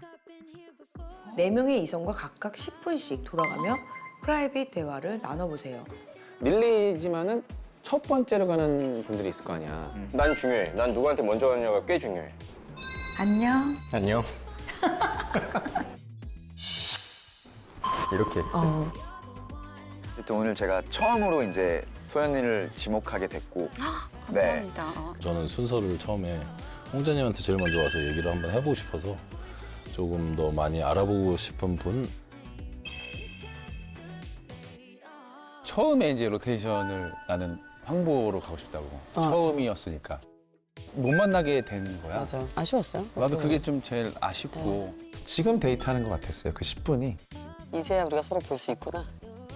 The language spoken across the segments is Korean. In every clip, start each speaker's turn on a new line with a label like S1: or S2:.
S1: 4명의 이성과 각각 10분씩 돌아가며 프라이빗 대화를 나눠보세요.
S2: 밀리지만은 첫 번째로 가는 분들이 있을 거 아니야.
S3: 난 중요해. 난 누구한테 먼저 가느냐가 꽤 중요해.
S1: 안녕.
S2: 안녕. 이렇게 했지.
S4: 어쨌든 오늘 제가 처음으로 이제 소연이를 지목하게 됐고, 네.
S5: 감사합니다.
S6: 저는 순서를 처음에 홍자님한테 제일 먼저 와서 얘기를 한번 해보고 싶어서 조금 더 많이 알아보고 싶은 분.
S2: 처음에 이제 로테이션을 나는 황보로 가고 싶다고. 처음이었으니까. 못 만나게 된 거야.
S7: 맞아. 아쉬웠어요?
S2: 나도 그게 좀 제일 아쉽고. 지금 데이트하는 것 같았어요. 그 10분이.
S7: 이제야 우리가 서로 볼 수 있구나.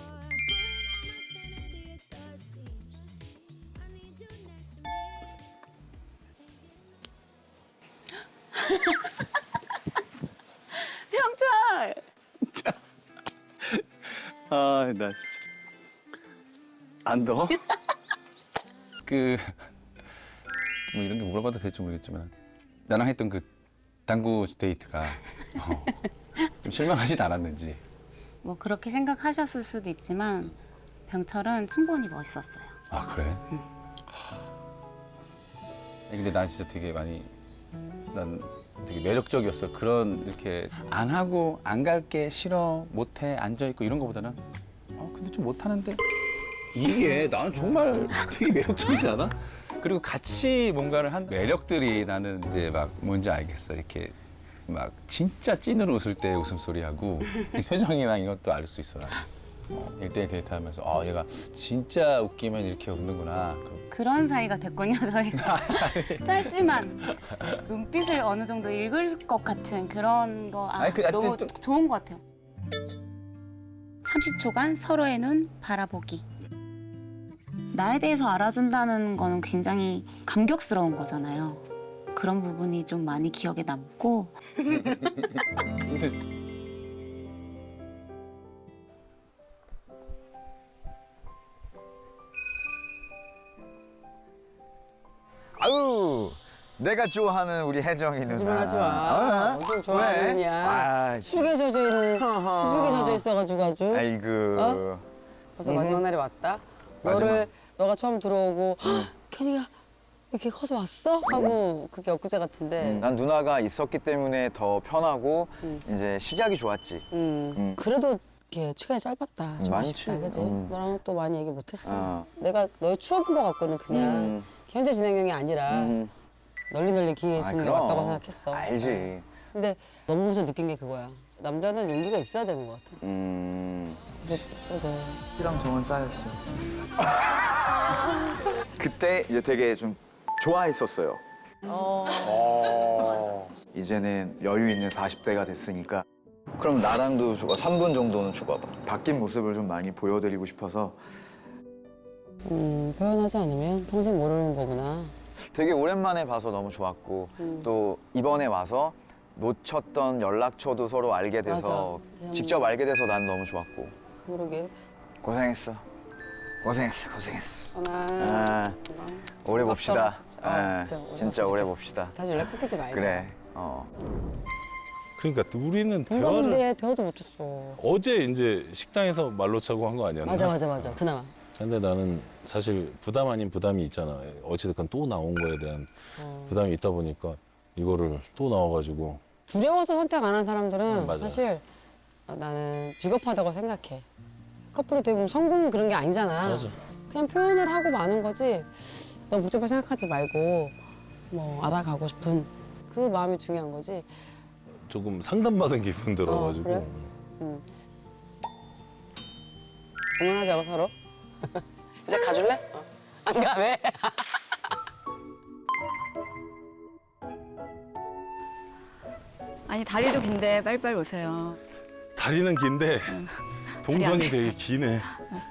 S5: 병철!
S2: 아, 나 진짜. 안 더워? 뭐 이런 게 물어봐도 될지 모르겠지만 나랑 했던 그 당구 데이트가 좀 실망하진 않았는지.
S5: 뭐 그렇게 생각하셨을 수도 있지만 병철은 충분히 멋있었어요.
S2: 아, 그래? 아니, 근데 난 진짜 되게 많이 난 되게 매력적이었어. 그런 이렇게 안 하고 안 갈게 싫어 못해 앉아 있고 이런 거보다는 근데 좀 못하는데 이게 나는 정말 되게 매력적이지 않아? 그리고 같이 뭔가를 한 매력들이 나는 이제 막 뭔지 알겠어. 이렇게 막 진짜 찐으로 웃을 때 웃음소리하고 이 표정이랑 이것도 알 수 있어. 나는. 1대1 데이트하면서 얘가 진짜 웃기면 이렇게 웃는구나.
S5: 그런 사이가 됐군요, 저희가. 짧지만 눈빛을 어느 정도 읽을 것 같은 그런 거
S2: 아니,
S5: 너무
S2: 또-
S5: 좋은 것 같아요. 30초간 서로의 눈 바라보기. 나에 대해서 알아준다는 거는 굉장히 감격스러운 거잖아요. 그런 부분이 좀 많이 기억에 남고
S4: 아유, 내가 좋아하는 우리 혜정이 누나.
S7: 거짓말하지 마. 엄청 좋아하는
S4: 왜?
S7: 냐 수족에 젖어 있는, 수족에 젖어 있어가지고 아주.
S4: 아이고.
S7: 벌써 마지막 날이 왔다.
S4: 마지막.
S7: 너가 처음 들어오고 kenny가 이렇게 커서 왔어? 하고 그게 엊그제 같은데.
S4: 난 누나가 있었기 때문에 더 편하고 이제 시작이 좋았지.
S7: 그래도 이렇게 시간이 짧았다. 좀
S4: 많지.
S7: 아쉽다, 그지? 너랑 또 많이 얘기 못했어.
S4: 어.
S7: 내가 너의 추억인 것 같거든, 그냥. 현재 진행형이 아니라 널리 기회 주는 게
S4: 그럼.
S7: 맞다고 생각했어.
S4: 알지.
S7: 근데 너무 보면서 느낀 게 그거야. 남자는 용기가 있어야 되는 것 같아. 그래서 있어야 돼.
S8: 이랑 정은 쌓였지.
S4: 그때 이제 되게 좀 좋아했었어요. 이제는 여유 있는 40대가 됐으니까 그럼 나랑도 3분 정도는 줘봐봐. 바뀐 모습을 좀 많이 보여드리고 싶어서
S7: 표현하지 않으면 평생 모르는 거구나.
S4: 되게 오랜만에 봐서 너무 좋았고 또 이번에 와서 놓쳤던 연락처도 서로 알게 돼서
S7: 맞아.
S4: 직접 알게 돼서 난 너무 좋았고
S7: 그러게.
S4: 고생했어. 고생했어.
S7: 하나.
S4: 아, 오래 봅시다.
S7: 진짜.
S4: 아,
S7: 진짜
S4: 진짜 오래 봅시다.
S7: 다시 연락 끊기지 말자.
S4: 그래.
S6: 그러니까 우리는
S7: 뭔가
S6: 대화를
S7: 근데 대화도 못했어.
S6: 어제 이제 식당에서 말로 차고 한 거 아니었나?
S7: 맞아. 그나마.
S6: 근데 나는 사실 부담 아닌 부담이 있잖아. 어찌됐건 또 나온 거에 대한 부담이 있다 보니까 이거를 또 나와가지고
S7: 두려워서 선택 안 한 사람들은
S6: 맞아.
S7: 사실 나는 비겁하다고 생각해. 커플이 대부분 성공 그런 게 아니잖아.
S6: 맞아.
S7: 그냥 표현을 하고 마는 거지. 너무 복잡하게 생각하지 말고 뭐 알아가고 싶은 그 마음이 중요한 거지.
S6: 조금 상담받은 기분 들어가지고
S7: 그래? 응원하자고 서로. 이제 가줄래? 안 가, 왜?
S5: 아니 다리도 긴데 빨리빨리 오세요.
S6: 다리는 긴데 동선이 되게 기네.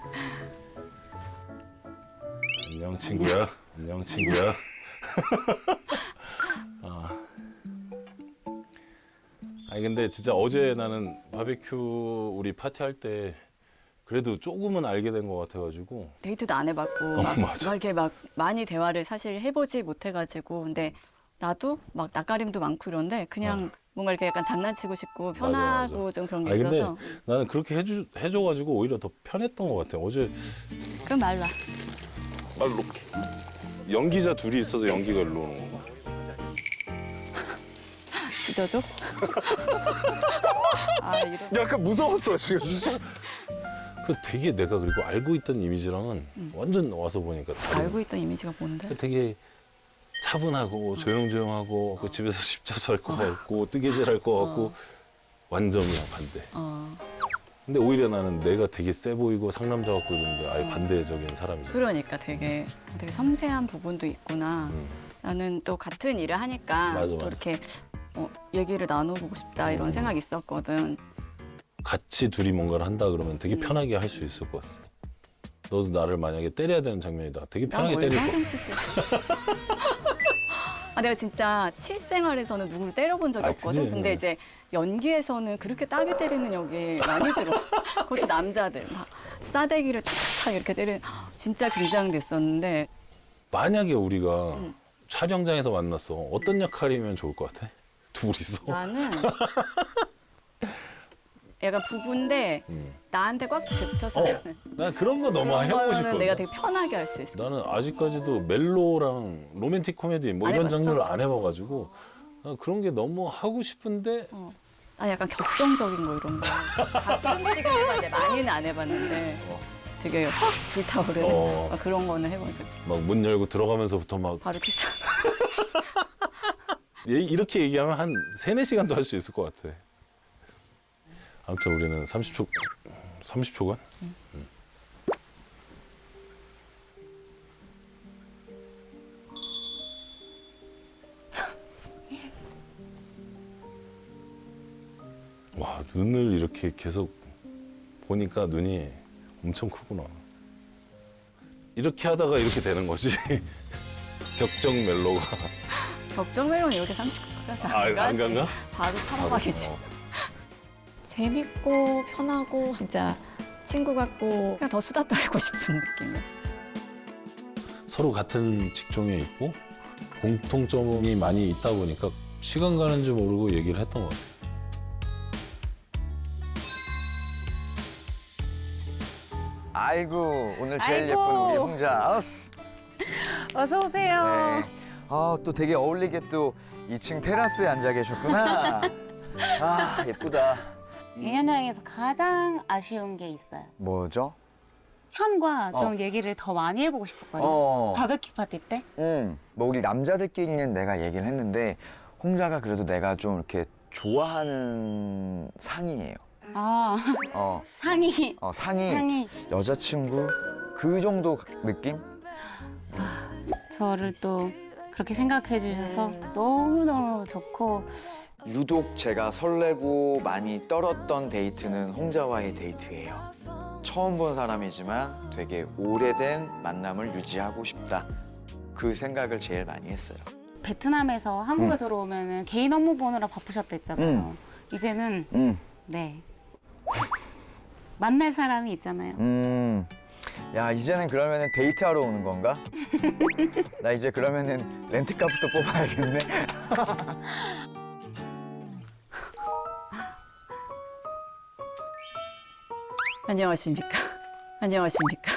S6: 안녕 친구야. 안녕 친구야. 아니 근데 진짜 어제 나는 바베큐 우리 파티할 때 그래도 조금은 알게 된 것 같아가지고
S9: 데이트도 안 해봤고
S6: 맞아.
S9: 막 이렇게 막 많이 대화를 사실 해보지 못해가지고 근데 나도 막 낯가림도 많고 이런데 그냥
S8: 뭔가 이렇게 약간 장난치고 싶고
S6: 맞아,
S8: 편하고
S6: 맞아.
S8: 좀 그런 게
S6: 아니, 근데
S8: 있어서.
S6: 나는 그렇게 해줘가지고 오히려 더 편했던 것 같아. 어제
S8: 그럼 말로.
S6: 말 놓게. 연기자 둘이 있어서 연기가 일로 오는 건가?
S8: 찢어줘? 아 이런.
S6: 약간 무서웠어 지금 진짜. 그 되게 내가 그리고 알고 있던 이미지랑은 완전 와서 보니까 다른.
S8: 알고 있던 이미지가 뭔데?
S6: 되게 차분하고 조용조용하고 그 집에서 십자수할 것 같고 뜨개질할 것 같고 완전이야 반대. 근데 오히려 나는 내가 되게 세 보이고 상남자 같고 이러는데 아예 반대적인 사람이잖아.
S8: 그러니까 되게 섬세한 부분도 있구나. 나는 또 같은 일을 하니까
S6: 맞아,
S8: 또
S6: 맞아.
S8: 이렇게 얘기를 나눠보고 싶다 이런 생각이 있었거든.
S6: 같이 둘이 뭔가를 한다 그러면 되게 편하게 할 수 있을 것 같아. 너도 나를 만약에 때려야 되는 장면이다. 되게 편하게
S8: 난
S6: 때릴
S8: 얼마나
S6: 거.
S8: 칠 때. 아 내가 진짜 실생활에서는 누구를 때려본 적이
S6: 아,
S8: 없거든.
S6: 그지?
S8: 근데 이제 연기에서는 그렇게 따게 때리는 역이 많이 들어. 그것도 남자들 막 싸대기를 탁탁 이렇게 때리는 진짜 긴장됐었는데
S6: 만약에 우리가 촬영장에서 만났어. 어떤 역할이면 좋을 것 같아? 둘이서?
S8: 나는 약간 부부인데 나한테 꽉 집혀서 하는
S6: 난 그런 거 너무
S8: 그런
S6: 해보고
S8: 거는
S6: 싶거든.
S8: 내가 되게 편하게 할 수 있어.
S6: 나는 아직까지도 멜로랑 로맨틱 코미디 뭐
S8: 안
S6: 이런
S8: 해봤어?
S6: 장르를 안 해봐가지고 난 그런 게 너무 하고 싶은데
S8: 아 약간 격정적인 거 이런 거 가끔씩은 해봤는데 많이는 안 해봤는데 되게 확 불타오르는 막 그런 거는 해본 적.
S6: 막 문 열고 들어가면서부터 막
S8: 바로 키스.
S6: 이렇게 얘기하면 한 3-4시간도 할 수 있을 것 같아. 아무튼 우리는 30초간? 와, 눈을 이렇게 계속 보니까 눈이 엄청 크구나. 이렇게 하다가 이렇게 되는 거지. 격정 멜로가.
S8: 격정 멜론 이렇게 30까지
S6: 아, 안 간가?
S8: 바로 타박이지. 재밌고 편하고 진짜 친구 같고 그냥 더 수다 떨고 싶은 느낌이었어.
S6: 서로 같은 직종에 있고 공통점이 많이 있다 보니까 시간 가는 줄 모르고 얘기를 했던 것 같아요.
S4: 아이고 오늘 제일
S5: 아이고.
S4: 예쁜 우리 홍자.
S5: 어서 오세요.
S4: 네. 아, 또 되게 어울리게 또 2층 테라스에 앉아 계셨구나. 아, 예쁘다.
S5: 예년 여행에서 가장 아쉬운 게 있어요.
S4: 뭐죠?
S5: 현과 좀
S4: 어.
S5: 얘기를 더 많이 해보고 싶었거든요.
S4: 어.
S5: 바베큐 파티 때.
S4: 뭐 우리 남자들끼리는 내가 얘기를 했는데 홍자가 그래도 내가 좀 이렇게 좋아하는 상이에요.
S5: 아
S4: 어,
S5: 상의.
S4: 상이
S5: 상의.
S4: 여자친구 그 정도 느낌?
S5: 저를 또 그렇게 생각해 주셔서 너무너무 좋고
S4: 유독 제가 설레고 많이 떨었던 데이트는 홍자와의 데이트예요. 처음 본 사람이지만 되게 오래된 만남을 유지하고 싶다. 그 생각을 제일 많이 했어요.
S5: 베트남에서 한국에 들어오면 개인 업무 보느라 바쁘셨댔잖아요. 이제는 네 만날 사람이 있잖아요.
S4: 야, 이제는 그러면은 데이트하러 오는 건가? 나 이제 그러면은 렌트카부터 뽑아야겠네.
S8: 안녕하십니까. 안녕하십니까.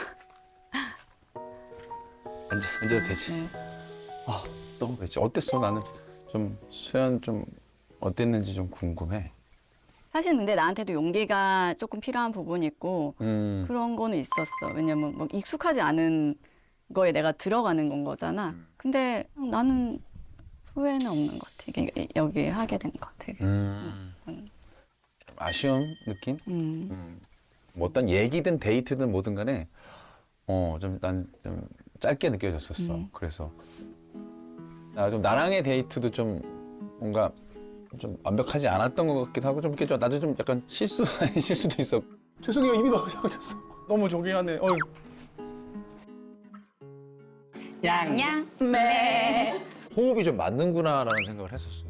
S2: 앉아도 되지.
S8: 네.
S2: 아, 너무 그랬지. 어땠어? 나는 좀 수연 좀 어땠는지 좀 궁금해.
S8: 사실 근데 나한테도 용기가 조금 필요한 부분이 있고 그런 거는 있었어. 왜냐면 뭐 익숙하지 않은 거에 내가 들어가는 건 거잖아. 근데 나는 후회는 없는 것 같아. 이게 여기 하게 된 것 같아.
S2: 아쉬움 느낌? 뭐 어떤 얘기든 데이트든 뭐든 간에 난 좀 짧게 느껴졌었어. 그래서 나랑의 데이트도 좀 뭔가 좀 완벽하지 않았던 것 같기도 하고 좀 이렇게 나도 좀 약간 실수 아닌 실수도 있어. 죄송해요, 입이 너무 작아졌어. 너무 조개하네. 어휴.
S5: 양.
S2: 호흡이 좀 맞는구나라는 생각을 했었어.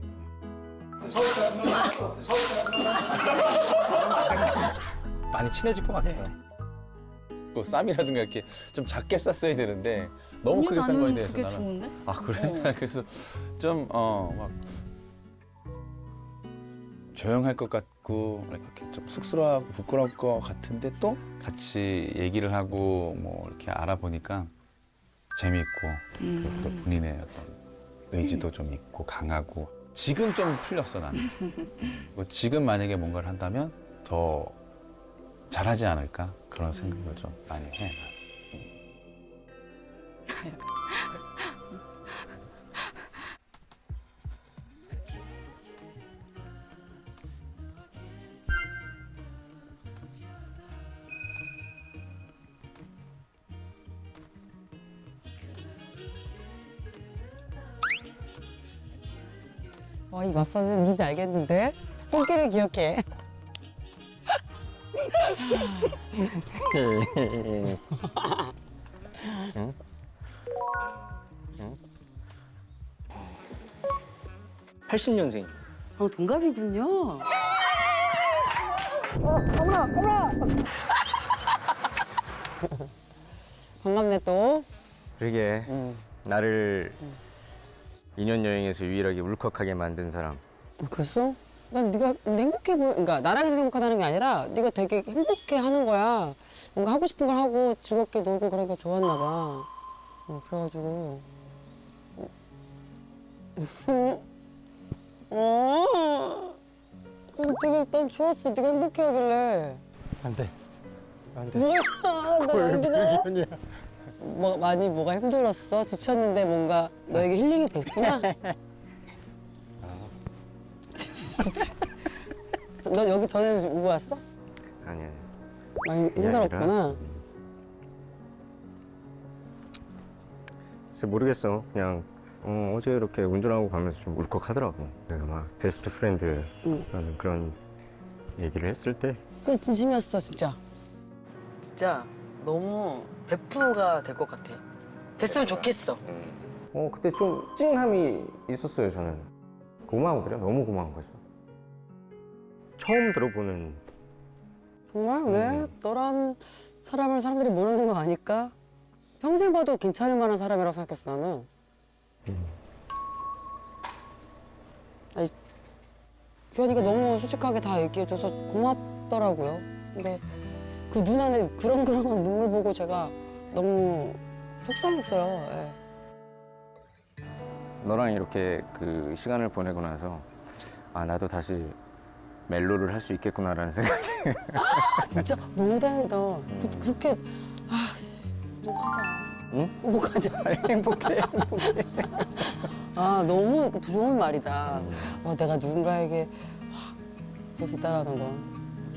S2: 많이 친해질 것 같아요. 또 쌈이라든가 이렇게 좀 작게 쌌어야 되는데 너무 크게 싼 거에 대해서
S8: 그게
S2: 나는
S8: 좋은데?
S2: 아 그래? 그래서 좀 막 조용할 것 같고 이렇게 좀 쑥스러워하고 부끄러울 것 같은데 또 같이 얘기를 하고 뭐 이렇게 알아보니까 재미있고 그리고 또 본인의 어떤 의지도 좀 있고 강하고 지금 좀 풀렸어 나는. 그리고 지금 만약에 뭔가를 한다면 더 잘하지 않을까 그런 생각을 좀 많이 해.
S7: 와, 이 마사지 누군지 알겠는데? 손길을 기억해.
S3: 응? 80년생.
S7: 동갑이군요. 반갑네 또.
S3: 그러게 나를 2년 여행에서 유일하게 울컥하게 만든 사람.
S7: 그랬어? 난 네가 행복해 보여. 그러니까 나랑 해서 행복하다는 게 아니라 네가 되게 행복해 하는 거야. 뭔가 하고 싶은 걸 하고 즐겁게 놀고 그러니까 좋았나 봐. 그래가지고. 그래서 되게 난 좋았어. 네가 행복해 하길래.
S3: 안 돼. 안 돼.
S7: 뭐야? 나안 돼. 뭐 많이 뭐가 힘들었어? 지쳤는데 뭔가 너에게 힐링이 됐구나. 너 여기 전에 오고 왔어?
S3: 아니야.
S7: 많이 힘들었구나.
S3: 글쎄 모르겠어. 그냥 어제 이렇게 운전하고 가면서 좀 울컥하더라고. 내가 막 베스트 프렌드라는 그런 얘기를 했을 때
S7: 그건 진심이었어 진짜.
S9: 진짜 너무 베프가 될 것 같아. 됐으면 좋겠어.
S3: 그때 좀 찡함이 있었어요. 저는 고마운 거죠. 너무 고마운 거죠. 처음 들어보는
S7: 정말 왜 너란 사람을 사람들이 모르는 거 아닐까? 평생 봐도 괜찮을 만한 사람이라고 생각했어 나는. 아니, 규현이가 너무 솔직하게 다 얘기해줘서 고맙더라고요. 근데 그 눈 안에 그렁그렁한 눈물 보고 제가 너무 속상했어요. 예.
S3: 너랑 이렇게 그 시간을 보내고 나서 아 나도 다시 멜로를 할 수 있겠구나라는 생각이.
S7: 진짜 너무 다행이다. 그렇게 너 가자.
S3: 응?
S7: 뭐 가자.
S3: 행복해.
S7: 아 너무 좋은 말이다. 내가 누군가에게 그럴 수 있다라는 거.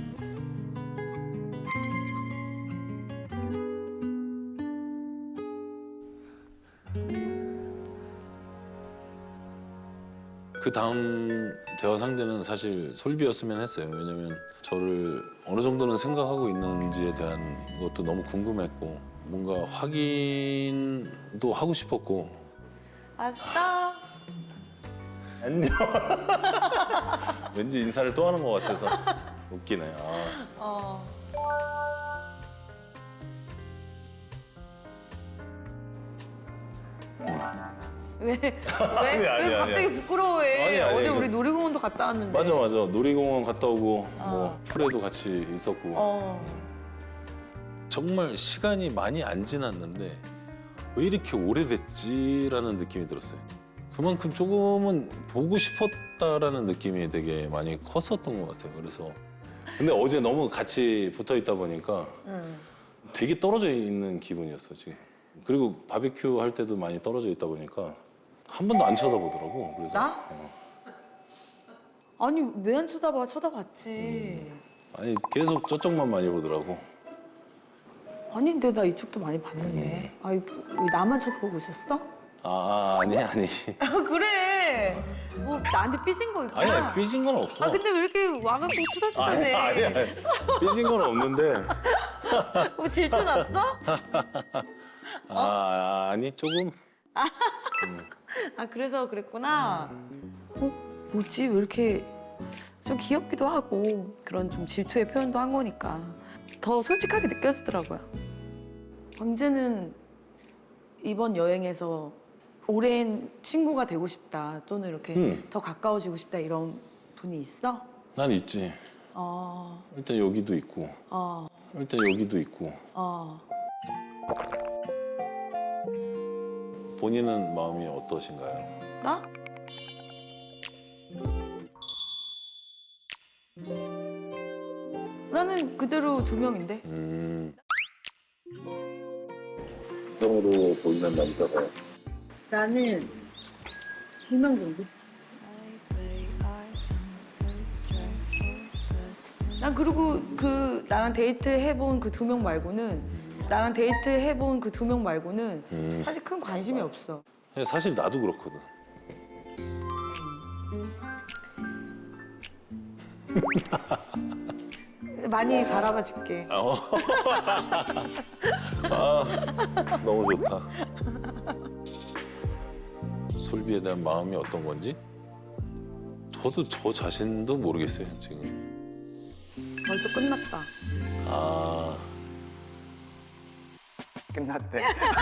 S6: 그 다음 대화 상대는 사실 솔비였으면 했어요. 왜냐면 저를 어느 정도는 생각하고 있는지에 대한 것도 너무 궁금했고 뭔가 확인도 하고 싶었고.
S1: 왔어?
S6: 안녕. 왠지 인사를 또 하는 것 같아서 웃기네.
S1: 왜
S6: 아니야.
S1: 갑자기 부끄러워해?
S6: 아니,
S1: 어제 우리 놀이공원도 갔다 왔는데.
S6: 맞아. 놀이공원 갔다 오고 뭐 풀에도 같이 있었고. 정말 시간이 많이 안 지났는데 왜 이렇게 오래됐지라는 느낌이 들었어요. 그만큼 조금은 보고 싶었다라는 느낌이 되게 많이 컸었던 것 같아요. 그래서 근데 어제 너무 같이 붙어 있다 보니까 되게 떨어져 있는 기분이었어 지금. 그리고 바비큐 할 때도 많이 떨어져 있다 보니까 한 번도 안 쳐다보더라고. 그래서
S1: 나? 아니 왜 안 쳐다봐? 쳐다봤지.
S6: 아니 계속 저쪽만 많이 보더라고.
S1: 아닌데 나 이쪽도 많이 봤는데. 아니 왜 나만 쳐다보고 있었어?
S6: 아니.
S1: 그래. 뭐 나한테 삐진 거 있구나.
S6: 아니야 삐진 건 없어.
S1: 근데 왜 이렇게 와갖고 투덜투덜해?
S6: 아니야. 삐진 건 없는데.
S1: 뭐 질투 났어?
S6: 아니 조금.
S1: 아 그래서 그랬구나. 뭐지 왜 이렇게 좀 귀엽기도 하고 그런 좀 질투의 표현도 한 거니까 더 솔직하게 느껴지더라고요. 광재는 이번 여행에서 오랜 친구가 되고 싶다 또는 이렇게 더 가까워지고 싶다 이런 분이 있어?
S6: 난 있지. 일단 여기도 있고. 일단 여기도 있고. 본인은 마음이 어떠신가요?
S1: 나? 나는 그대로 2명인데.
S6: 이성으로 보이는 남자가
S1: 나는 2명 정도. 난 그리고 그 나랑 데이트 해본 그 2명 말고는 사실 큰 관심이 없어.
S6: 사실 나도 그렇거든.
S1: 많이 바라봐 줄게.
S6: 너무 좋다. 솔비에 대한 마음이 어떤 건지 저도 저 자신도 모르겠어요 지금.
S1: 벌써 끝났다.
S6: 아
S4: 끝났대.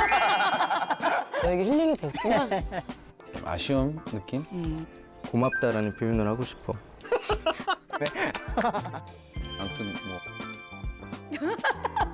S7: 너에게 힐링이 됐구나.
S2: 좀 아쉬운 느낌?
S3: 고맙다라는 표현을 하고 싶어.
S2: 아무튼 뭐